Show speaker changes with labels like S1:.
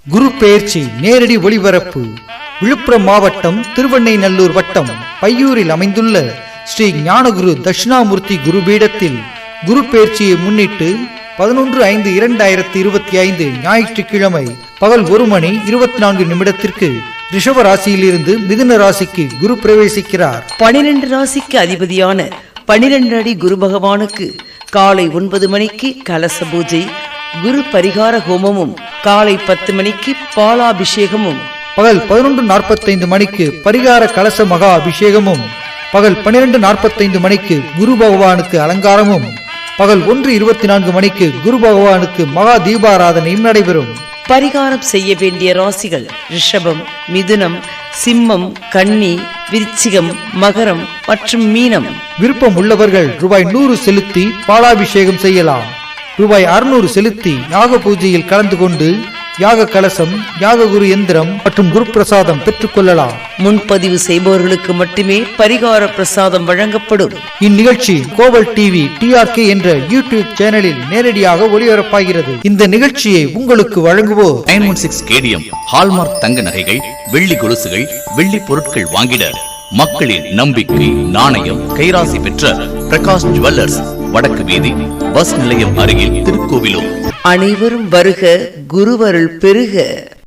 S1: குரு பெயர்ச்சி நேரடி ஒளிபரப்பு விழுப்புரம் மாவட்டம் திருவெண்ணைநல்லூர் வட்டம் பையூரில் அமைந்துள்ள ஸ்ரீ ஞானகுரு தட்சிணாமூர்த்தி குருபீடத்தில் குரு பெயர்ச்சியை முன்னிட்டு 11/5/2025 ஞாயிற்றுக்கிழமை பகல் 1:24 ரிஷப ராசியிலிருந்து மிதுன ராசிக்கு குரு பிரவேசிக்கிறார்.
S2: 12 ராசிக்கு அதிபதியான 12 அடி குரு பகவானுக்கு காலை 9 மணிக்கு கலச பூஜை, குரு பரிகார ஹோமமும், காலை 10 மணிக்கு பாலாபிஷேகமும்,
S1: பகல் 11:45 பரிகார கலச மகா அபிஷேகமும், பகல் 12:45 குரு பகவானுக்கு அலங்காரமும், பகல் 1:24 குரு பகவானுக்கு மகா தீபாராதனையும் நடைபெறும்.
S2: பரிகாரம் செய்ய வேண்டிய ராசிகள் ரிஷபம், மிதுனம், சிம்மம், கன்னி, விருச்சிகம், மகரம் மற்றும் மீனம்.
S1: விருப்பம் உள்ளவர்கள் ரூபாய் 100 செலுத்தி பாலாபிஷேகம் செய்யலாம். ரூபாய் 600 செலுத்தி யாக பூஜையில் கலந்து கொண்டு யாக கலசம், யாக குரு எந்திரம் மற்றும் குரு பிரசாதம் பெற்றுக் கொள்ளலாம்.
S2: முன்பதிவு செய்பவர்களுக்கு மட்டுமே பரிகார பிரசாதம் வழங்கப்படும்.
S1: இந்நிகழ்ச்சி கோவல் டிவி TRK என்ற யூடியூப் சேனலில் நேரடியாக ஒளிபரப்பாகிறது. இந்த நிகழ்ச்சியை உங்களுக்கு வழங்குவோர்
S3: 916 KDM ஹால்மார்க் தங்க நகைகள், வெள்ளி கொலுசுகள், வெள்ளி பொருட்கள் வாங்கிட மக்களின் நம்பிக்கை நாணயம் கைராசி பெற்ற பிரகாஷ் ஜுவல்லர்ஸ், வடக்கு வீதி, பஸ் நிலையம் அருகில், திருக்கோவிலூர்.
S2: அனைவரும் வருக, குருவருள் பெருக.